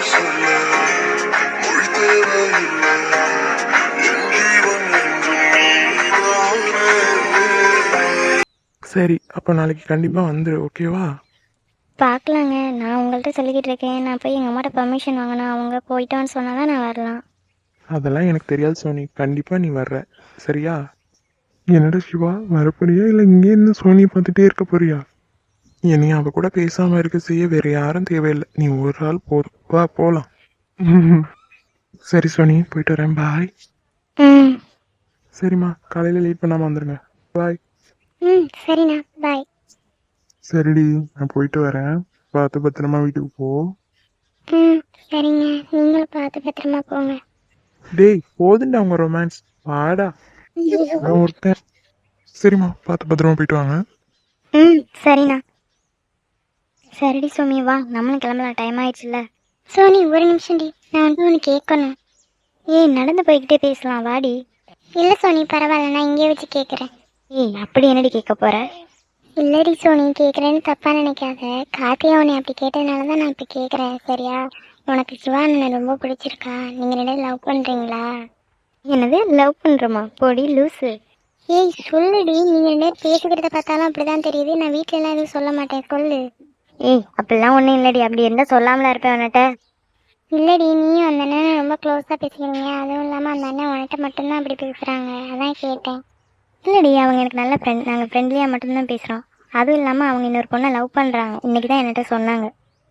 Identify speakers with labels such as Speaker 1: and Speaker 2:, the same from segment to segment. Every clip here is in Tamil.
Speaker 1: சொல்ல மொழி தேவையில்லை என் ஜீவன் என்றும் நீதானே.
Speaker 2: சரி, அப்போ நாளைக்கு கண்டிப்பாக வந்துடு, ஓகேவா?
Speaker 3: பார்க்கலாங்க. நான் உங்கள்கிட்ட சொல்லிக்கிட்டு இருக்கேன். நான் போய் எங்கள் அம்மாட்ட பர்மிஷன் வாங்கினா அவங்க போயிட்டோன்னு சொன்னால் தான் நான் வரலாம்.
Speaker 2: அதெல்லாம் எனக்கு தெரியாது சோனி, கண்டிப்பாக நீ வர்ற, சரியா? என்னடா சிவா, வரப்போறியா இல்லை இங்கே இருந்து சோனியை பார்த்துட்டே இருக்க போறியா? என்னை அவ கூட பேசாமல் இருக்க செய்ய வேறு யாரும் தேவையில்லை, நீ ஒரு ஆள் போதும், வா போகலாம். சரி சோனி, போயிட்டு வரேன், பாய்.
Speaker 3: ம்
Speaker 2: சரிம்மா, காலையில் லேட் பண்ணாமல் வந்துடுங்க, பாய்.
Speaker 3: ம் சரிண்ணா, பாய்.
Speaker 2: சரிடி, நான் போயிட்டு வரேன், பார்த்து பத்திரமா வீட்டுக்கு போ.
Speaker 3: ம் சரிங்க, நீங்களும் பார்த்து பத்திரமா போங்க.
Speaker 2: டேய் போதுண்டா அவங்க ரொமான்ஸ், வாடா. நான் ஒருத்தன். சரிம்மா, பார்த்து பத்திரமா போயிட்டு வாங்க.
Speaker 3: ம் சரிண்ணா. சரிடி சோமி, வா நம்மளும் கிளம்பலாம், டைம் ஆயிடுச்சுல்ல. சோனி ஒரு நிமிஷம்டி, நான் வந்து ஒன்று கேட்கணும். ஏய் நடந்து போய்கிட்டே பேசலாம், வாடி. இல்லை சோனி பரவாயில்ல, நான் இங்கே வச்சு கேட்குறேன். ஏய் அப்படி என்னடி கேட்க போற? இல்லடி சோனி, கேட்குறேன்னு தப்பாக நினைக்காத. கார்த்தியா உன்னை அப்படி கேட்டதுனால தான் நான் இப்போ கேட்குறேன், சரியா? உனக்கு சிவா அண்ணனை ரொம்ப பிடிச்சிருக்கா? நீங்கள் ரெண்டு லவ் பண்ணுறீங்களா? என்னது லவ் பண்ணுறோமா? போடி லூஸு. ஏய் சொல்லுடி, நீங்கள் ரெண்டு பேர் பேசிக்கிறத பார்த்தாலும் அப்படி தான் தெரியுது. நான் வீட்டிலலாம் எதுவும் சொல்ல மாட்டேன், சொல்லு. ஏய் அப்படிலாம் ஒன்றும் இல்லடி, அப்படி இருந்தால் சொல்லாமலாம் இருப்பேன் உன்கிட்ட. இல்லடி, நீயும் அந்த அண்ணன் ரொம்ப க்ளோஸாக பேசிக்கிறீங்க. அதுவும் இல்லாமல் அந்த அண்ணன் உன்கிட்ட மட்டும்தான் அப்படி பேசுகிறாங்க, அதான் கேட்டேன். இல்லடி, அவங்க எனக்கு நல்ல ஃப்ரெண்ட், நாங்கள் ஃப்ரெண்ட்லியாக மட்டும்தான் பேசுகிறோம். அதுவும் இல்லாமல் அவங்க இன்னொரு பொண்ணை லவ் பண்ணுறாங்க, இன்றைக்கி தான் என்கிட்ட சொன்னாங்க.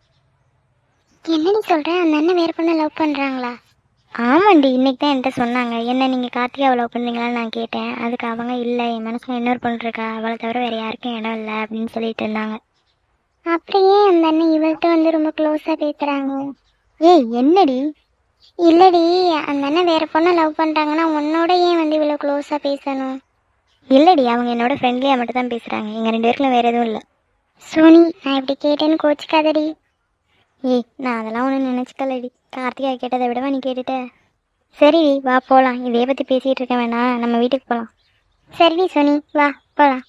Speaker 3: என்னடி சொல்கிறேன், அந்த அண்ணன் வேறு பொண்ணை லவ் பண்ணுறாங்களா? ஆமாண்டி, இன்றைக்கி தான் என்கிட்ட சொன்னாங்க. என்ன நீங்கள் கார்த்திகாவை லவ் பண்ணுறீங்களான்னு நான் கேட்டேன். அதுக்கு அவங்க இல்லை, என் மனசில் இன்னொரு பொண்ணு இருக்கா, அவளை தவிர வேறு யாருக்கும் இடம் இல்லை அப்படின்னு சொல்லிட்டு இருந்தாங்க. அப்படியே அந்த அண்ணன் இவள்கிட்ட வந்து ரொம்ப க்ளோஸாக பேசுகிறாங்க. ஏய் என்னடி? இல்லடி, அந்த அண்ணன் வேறு பொண்ணை லவ் பண்ணுறாங்கன்னா உன்னோட ஏன் வந்து இவ்வளோ க்ளோஸாக பேசணும்? இல்லடி, அவங்க என்னோட ஃப்ரெண்ட்லியாக மட்டும் தான் பேசுகிறாங்க, எங்கள் ரெண்டு பேருக்குள்ள வேறு எதுவும் இல்லை. சோனி, நான் இப்படி கேட்டேன்னு கோச்சிக்காதடி. ஏய் நான் அதெல்லாம் ஒன்றும் நினச்சிக்கலடி, கார்த்திகா கேட்டதை விடவா நீ கேட்டுட்ட? சரிடி வா போகலாம், இதையே பற்றி பேசிகிட்டு இருக்க வேணாம், நம்ம வீட்டுக்கு போகலாம். சரிடி சோனி, வா போகலாம்.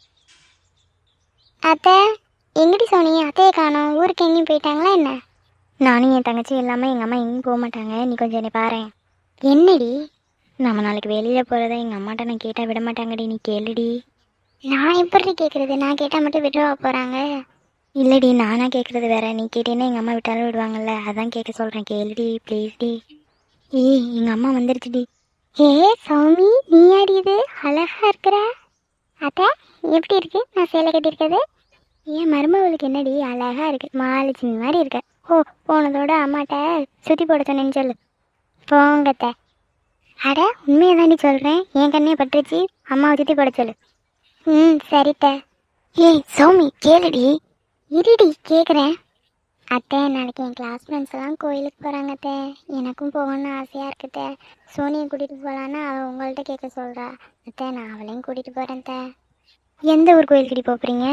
Speaker 3: அத்தை எங்கடி சோனி? அத்தையை காணோம், ஊருக்கு எங்கேயும் போயிட்டாங்களா என்ன? நானும் என் தங்கச்சி இல்லாமல் எங்கள் அம்மா எங்கேயும் போக மாட்டாங்க, நீ கொஞ்சம் என்னை பாரேன். என்னடி? நம்ம நாளைக்கு வெளியில் போகிறத எங்கள் அம்மாட்ட நான் கேட்டால் விட மாட்டாங்கடி, நீ கேளுடி. நான் எப்படி கேட்குறது? நான் கேட்டால் மட்டும் விட்டுவா போகிறாங்க? இல்லடி, நானாக கேட்குறது வேற, நீ கேட்டேன்னா எங்கள் அம்மா விட்டாலும் விடுவாங்கல்ல, அதான் கேட்க சொல்கிறேன், கேளுடி ப்ளீஸ்டி. ஏய் எங்கள் அம்மா வந்துருச்சுடி. ஏ சௌமி, நீ ஆடி இது அழகாக இருக்கிற. அத்தை எப்படி இருக்கு நான் சேலை கட்டியிருக்கிறது? ஏன் மருமகளுக்கு என்னடி அழகாக இருக்கு, மாலட்சுமி மாதிரி இருக்க. ஓ போனதோட அம்மாட்ட சுற்றி போட சொன்னேன்னு சொல்லு. போங்கத்த. அட உண்மையை தாண்டி சொல்கிறேன், என் கண்ணே பட்டுருச்சு, அம்மாவை சுற்றி போட சொல்லு. ம் சரித்த. ஏய் சௌமி கேளுடி. இருடி கேட்குறேன். அத்தை நாளைக்கு என் கிளாஸ் ஃப்ரெண்ட்ஸ் எல்லாம் கோயிலுக்கு போகிறாங்க அத்தை, எனக்கும் போகணுன்னு ஆசையாக இருக்குத்த. சோனியை கூட்டிகிட்டு போகலான்னு அவள் உங்கள்கிட்ட கேட்க சொல்கிறா. அத்தை நான் அவளையும் கூட்டிகிட்டு போகிறேன் அத்தை. எந்த ஊர் கோயிலுக்கு போகிறீங்க?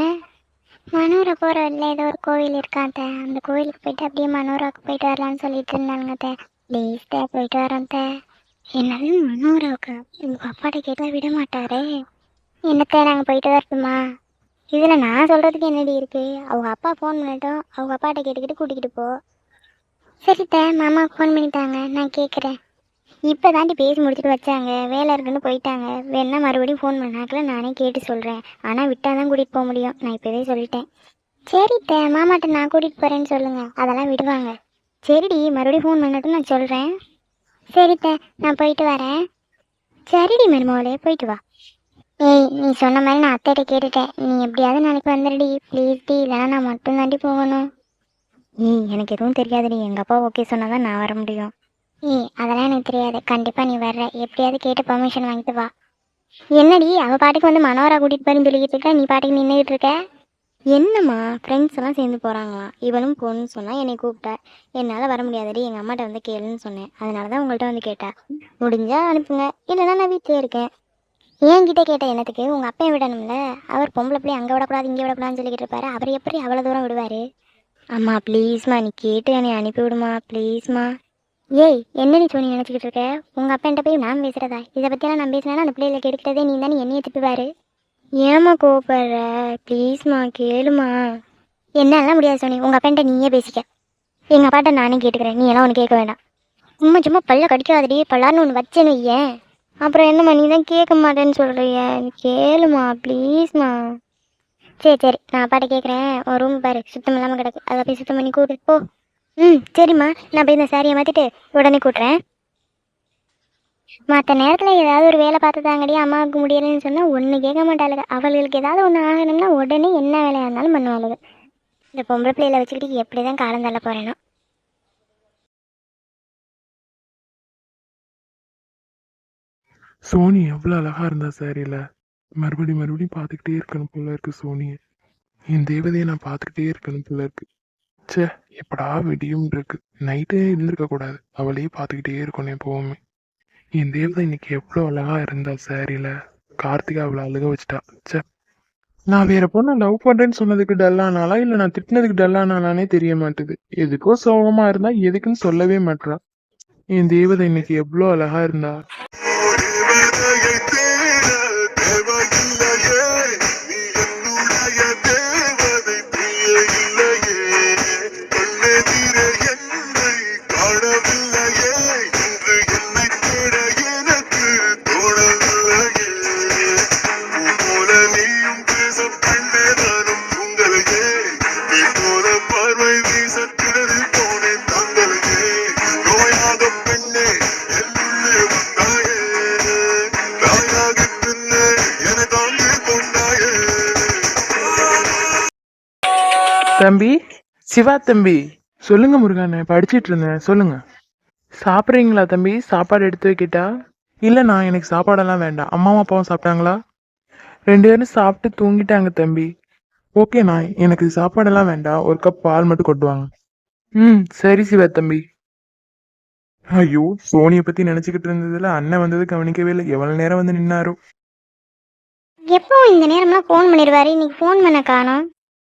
Speaker 3: மனோரா போகிற வழியில் ஏதோ ஒரு கோவில் இருக்காத்த, அந்த கோயிலுக்கு போயிட்டு அப்படியே மனோராவுக்கு போயிட்டு வரலான்னு சொல்லிட்டு இருந்தாங்க அத்தை. ப்ளீஸ் தே போயிட்டு வரேன் அத்தை. என்னது மனோராவுக்கு? உங்கள் அப்பாட்ட கேட்டால் விட மாட்டாரே. என்னத்தை நாங்கள் போயிட்டு வரட்டுமா? இதில் நான் சொல்கிறதுக்கு என்னடி இருக்குது? அவங்க அப்பா ஃபோன் பண்ணட்டும், அவங்க அப்பாட்ட கேட்டுக்கிட்டு கூட்டிக்கிட்டு போ. சரித்த, மாமாவுக்கு ஃபோன் பண்ணிட்டாங்க, நான் கேட்குறேன். இப்போ தாண்டி பேசி முடிச்சுட்டு வச்சாங்க, வேலை இருக்குன்னு போயிட்டாங்க. வேணா மறுபடியும் ஃபோன் பண்ணாக்கில் நானே கேட்டு சொல்கிறேன், ஆனால் விட்டால் தான் கூட்டிகிட்டு போக முடியும், நான் இப்போவே சொல்லிட்டேன். சரித்த, மாமாட்ட நான் கூட்டிகிட்டு போகிறேன்னு சொல்லுங்கள், அதெல்லாம் விடுவாங்க. சரிடி, மறுபடியும் ஃபோன் பண்ணட்டும், நான் சொல்கிறேன். சரித்த, நான் போயிட்டு வரேன். சரிடி மருமகளே, போயிட்டு வா. ஏய் நீ சொன்ன மாதிரி நான் அத்தைகிட்ட கேட்டுட்டேன், நீ எப்படியாவது நாளைக்கு வந்துடுடி ப்ளீஸ் டி, இல்லைனா நான் மட்டும் தாண்டி போகணும். ஏய் எனக்கு எதுவும் தெரியாதுடி, எங்கள் அப்பா ஓகே சொன்னால் தான் நான் வர முடியும். ஏய் அதெல்லாம் எனக்கு தெரியாது, கண்டிப்பாக நீ வர்ற, எப்படியாவது கேட்டு பர்மிஷன் வாங்கிட்டு வா. என்னடி அவள் பாட்டுக்கு வந்து மனோரா கூட்டிகிட்டு போயின்னு சொல்லிக்கிட்டு இருக்க, நீ பாட்டுக்கு நின்றுக்கிட்டு இருக்க. என்னம்மா ஃப்ரெண்ட்ஸ் எல்லாம் சேர்ந்து போகிறாங்களாம், இவளும் போகணுன்னு சொன்னால் என்னை கூப்பிட்டா. என்னால் வர முடியாதடி, எங்கள் அம்மாட்ட வந்து கேளுன்னு சொன்னேன், அதனால தான் உங்கள்கிட்ட வந்து கேட்டேன். முடிஞ்சால் அனுப்புங்க, இல்லைனா நான் வீட்டிலே இருக்கேன். என்கிட்ட கேட்ட என்னத்துக்கு? உங்கள் அப்பையும் விடணும்ல, அவர் பொம்பளை பிள்ளை அங்கே விடக்கூடாது இங்கே விடக்கூடாதுன்னு சொல்லிக்கிட்டு இருப்பாரு, அவர் எப்படி அவ்வளோ தூரம் விடுவார்? அம்மா ப்ளீஸ்மா, நீ கேட்டு என்னை அனுப்பி விடுமா ப்ளீஸ்மா. ஏய் என்ன நீ சொல்லி நினச்சிக்கிட்டு இருக்க? உங்கள் அப்பா என்கிட்ட போய் நான் பேசுகிறதா? இதை பற்றியெல்லாம் நான் பேசினேன்னா அந்த பிள்ளைகளை கெடுக்கிறதே நீ தானே, என்னையை திட்டுவார். ஏம்மா கோவப்படுற? ப்ளீஸ்மா கேளுமா. என்னெல்லாம் முடியாது சோனி, உங்கள் அப்பா என்கிட்ட நீயே பேசிக்க. எங்கள் அப்பாட்ட நானே கேட்டுக்கிறேன், நீ எல்லாம் ஒன்று கேட்க வேண்டாம். சும்மா சும்மா பல்ல கடிக்காதடி, பல்லார்னு ஒன்று வச்சேன்னு வையேன். அப்புறம் என்னம்மா நீ தான் கேட்க மாட்டேன்னு சொல்கிறிய, கேளுமா ப்ளீஸ்மா. சரி சரி, நான் அப்பாட்ட கேட்குறேன். ஒரு ரூம் பாரு சுத்தம் இல்லாமல் கிடக்கு, அதை போய் சுத்தம் பண்ணி கூட்டிட்டு போ. சரிம்மா, நான் போய் இந்த சாரியை மாற்றிட்டு உடனே கூட்டுறேன். மற்ற நேரத்தில் ஏதாவது ஒரு வேலை பார்த்து தாங்கடி, அம்மாவுக்கு முடியலைன்னு சொன்னால் ஒன்று கேட்க மாட்டாளுங்க. அவளுக்கு ஏதாவது ஒன்று ஆகணும்னா உடனே என்ன வேலையாக இருந்தாலும் பண்ணுவாளுங்க. இந்த பொம்பளை பிள்ளையில வச்சுக்கிட்டு எப்படி தான் காலம் தள்ள போகிறேனோ.
Speaker 2: சோனி எவ்வளோ அழகா இருந்தா சாரியில. மறுபடியும் பார்த்துக்கிட்டே இருக்கணும் போல இருக்கு சோனியை. என் தேவதையை நான் பார்த்துக்கிட்டே இருக்கணும் போல இருக்கு. ச்சே, எப்படா விடியும் இருக்கு. நைட்டே இருந்திருக்க கூடாது, அவளையே பார்த்துக்கிட்டே இருக்கணும் எப்பவுமே. என் தேவதை இன்னைக்கு எவ்வளோ அழகா இருந்தா சாரியில. கார்த்திகா அவளை அழுக வச்சுட்டா. ச்சே, நான் வேற பொண்ணை லவ் பண்றேன்னு சொன்னதுக்கு டல்லானாலா இல்லை நான் திட்டினதுக்கு டல்லானாலானே தெரிய மாட்டுது. எதுக்கோ சோகமா இருந்தா எதுக்குன்னு சொல்லவே மாட்றா. என் தேவதை இன்னைக்கு எவ்வளோ அழகா இருந்தா.
Speaker 1: தேவதையை தேட தேவையில்லையே, நீ என்னுடைய தேவதை பிரிய இல்லையே. கண்ணெதிரே என்னை காணவில்லையே, இன்று என்னை தேட எனக்கு தோணவில்லையே. போல நீயும் பேச பெண்ணே நானும் உங்களையே, நீ போல பார்வை வீச கிணறில் போனேன் தங்களையே. நோயாக பெண்ணே என்னுள்ளே வந்தாயே, தாயாக பின்னே என்னை தாங்கி கொண்டாயே.
Speaker 2: தம்பி, சிவா தம்பி. சொல்லுங்க முருகண்ணே, படிச்சிட்டு இருந்தேன், சொல்லுங்க. சாப்பிட்றீங்களா தம்பி? சாப்பாடு எடுத்து வைக்கிட்டா? இல்லைண்ணா, எனக்கு சாப்பாடெல்லாம் வேண்டாம். அம்மாவும் அப்பாவும் சாப்பிட்டாங்களா? 2 பேரும் சாப்பிட்டு தூங்கிட்டாங்க தம்பி. ஓகேண்ணா, எனக்கு சாப்பாடெல்லாம் வேண்டாம், ஒரு கப் பால் மட்டும் கொட்டுவாங்க. சரி சிவா தம்பி. ஐயோ, சோனியை பத்தி நினைச்சுக்கிட்டு இருந்ததுல அண்ணன் வந்தது கவனிக்கவே இல்லை. எவ்வளவு நேரம் வந்து நின்னாரோ.
Speaker 3: எப்பவும் இந்த நேரம்லாம் ஃபோன் பண்ணிடுவாரு, இன்னைக்கு ஃபோன் பண்ண காணோம்.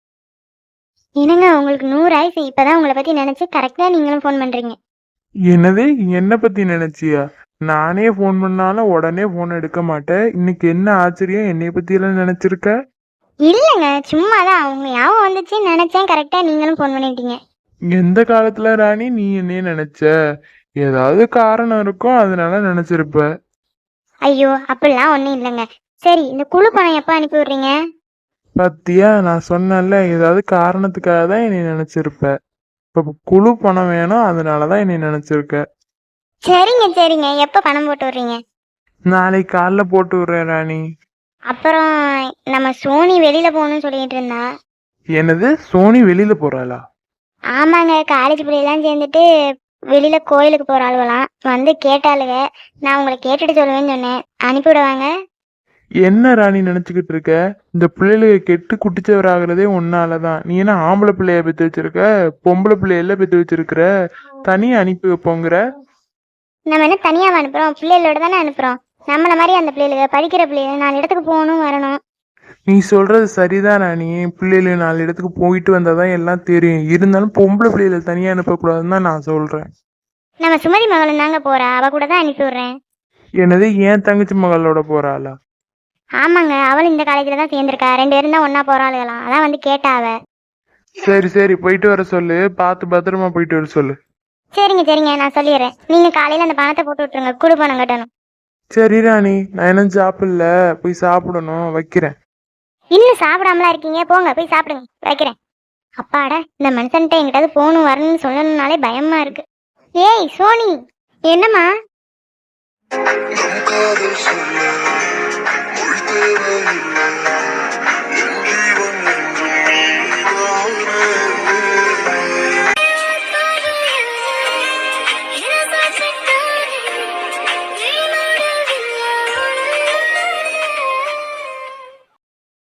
Speaker 3: என்னங்க உங்களுக்கு 100 ஆயிசு, இப்போதான் உங்களை பற்றி நினச்சி கரெக்டாக நீங்களும் ஃபோன் பண்ணுறீங்க.
Speaker 2: என்னது, என்ன பத்தி நினைச்சியா? நானே ஃபோன் பண்ணாலும் உடனே ஃபோன் எடுக்க மாட்டேன். இன்னைக்கு என்ன ஆச்சரியம், என்னைய பத்தி எல்லாம் நினைச்சிருக்க?
Speaker 3: இல்லைங்க, சும்மா தான் உங்க ஞாபகம் வந்துச்சுன்னு நினச்சேன், கரெக்டாக நீங்களும் ஃபோன் பண்ணிட்டீங்க.
Speaker 2: எந்த காலத்துல ராணி நீ என்னைய நினைச்ச? ஏதாவது காரணம் இருக்கும், அதனால நினைச்சிருப்ப.
Speaker 3: ஐயோ அப்படிலாம் ஒன்றும் இல்லைங்க. சரி, இந்த குழு பணம் எப்போ அனுப்பி விட்றீங்க?
Speaker 2: பத்தியா, நான் சொன்னேன்ல, ஏதாவது காரணத்துக்காக தான் என்னை நினைச்சிருப்ப. இப்ப குழு பணம் வேணும், அதனாலதான் என்னை நினைச்சிருக்க.
Speaker 3: சரிங்க சரிங்க, எப்போ பணம் போட்டு விட்றீங்க?
Speaker 2: நாளைக்கு காலைல போட்டு விடுறேன் ராணி.
Speaker 3: அப்புறம் நம்ம சோனி வெளியில் போகணும்னு சொல்லிட்டு இருந்தா.
Speaker 2: என்னது, சோனி வெளியில போறாளா?
Speaker 3: ஆமாங்க, காலேஜ் பிள்ளைலாம் சேர்ந்துட்டு வெளியில் கோயிலுக்கு போகிற ஆளுவலாம் வந்து கேட்டாளுங்க. நான் உங்களை கேட்டுட்டு சொல்லுவேன்னு சொன்னேன், அனுப்பிவிடுவாங்க.
Speaker 2: என்ன ராணி நினைச்சுக்கிட்டு இருக்க? இந்த பிள்ளைகளுக்கு கெட்டு குட்டிச்சவர் ஆகுறதே ஒன்னாலதான். நீ என்ன ஆம்பளை பிள்ளைய பெத்து வச்சிருக்க? பொம்பளை பிள்ளையெல்லாம் பெத்து வச்சிருக்கிற? தனியா அனுப்பி வைப்போங்கிற?
Speaker 3: நம்ம என்ன தனியாக அனுப்புகிறோம், பிள்ளைகளோட தானே அனுப்புகிறோம். நம்மளை மாதிரி அந்த பிள்ளைகளுக்கு படிக்கிற பிள்ளைகள் 4 இடத்துக்கு போகணும் வரணும்.
Speaker 2: நீ சொல்றது சரிதான் ராணி. பிள்ளைகள் 4 இடத்துக்கு போயிட்டு வந்தாதான் எல்லாம் தெரியும். இருந்தாலும் பொம்பளை பிள்ளைகளை தனியா அனுப்பக்கூடாதுன்னு தான் நான் சொல்றேன்.
Speaker 3: நம்ம சுமதி மகளும் தாங்க போகிறா, அவள் கூட தான் அனுப்பி விட்றேன்.
Speaker 2: என்னது, ஏன் தங்கச்சி மகளோட போறாளா?
Speaker 3: ஆமாங்க, அவள் இந்த காலேஜில் தான் சேர்ந்துருக்கா, 2 பேரும் தான் ஒன்றா போகிறாளுகலாம், அதான் வந்து கேட்டா அவ.
Speaker 2: சரி சரி, போயிட்டு வர சொல்லு. பார்த்து பத்திரமா போயிட்டு வர சொல்லு.
Speaker 3: சரிங்க சரிங்க, நான் சொல்லிடுறேன். நீங்கள் காலையில் அந்த பணத்தை போட்டு விட்ருங்க, குழு பணம் கட்டணும்.
Speaker 2: சரி ராணி, நான் என்ன சாப்பிடல, போய் சாப்பிடணும், வைக்கிறேன்.
Speaker 3: இன்னும் சாப்பிடாமலாம் இருக்கீங்க, போங்க போய் சாப்பிடுங்க, வைக்கிறேன். அப்பாடா, இந்த மனுஷன்ட்ட எங்கிட்டாவது போகணும் வரணும்னு சொல்லணும்னாலே பயமா இருக்கு. ஏய் சோனி, என்னம்மா?
Speaker 1: நம் காதல்